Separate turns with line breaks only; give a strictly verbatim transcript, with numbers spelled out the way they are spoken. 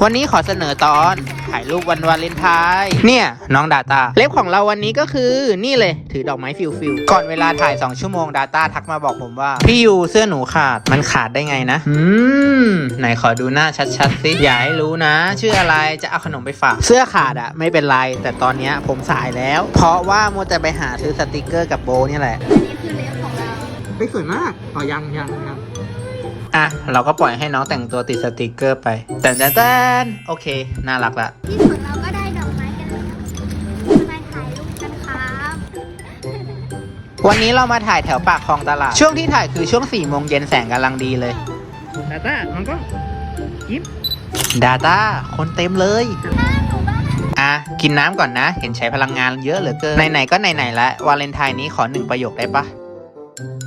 วันนี้ขอเสนอตอนถ่ายรูปวันวาเลนไทน์เนี่ยน้องดาต้าเล็บของเราวันนี้ก็คือนี่เลยถือดอกไม้ฟิวฟิวก่อนเวลาถ่ายสองชั่วโมงดาต้าทักมาบอกผมว่าพี่ยูเสื้อหนูขาดมันขาดได้ไงนะอืมไหนขอดูหน้าชัดๆสิอย่าให้รู้นะชื่ออะไรจะเอาขนมไปฝากเสื้อขาดอะไม่เป็นไรแต่ตอนเนี้ยผมสายแล้วเพราะว่ามัวแต่ไปหาซื้อสติกเกอร์กับโบนี่แหละ
อันนี้คือเล็บของเรา
ไม่สวยมากอ๋อยังยังยังอ่ะเราก็ปล่อยให้น้องแต่งตัวติดสติกเกอร์ไปแต่แต่แต่โอเคน่ารักละ
ที่สุดเราก็ได้ดอกไม้กันแล้วมาถ่ายรูปกันครับ
วันนี้เรามาถ่ายแถวปากคลองตลาดช่วงที่ถ่ายคือช่วงสี่โมงเย็นแสงกำลังดีเลยดาต้ามันก็ยิ้มดาต้าคนเต็มเลยอ่ะกินน้ำก่อนนะเห็นใช้พลังงานเยอะเหลือเกินไหนๆก็ไหนๆแล้ววาเลนไทน์นี้ขอหนึ่งประโยคได้ปะ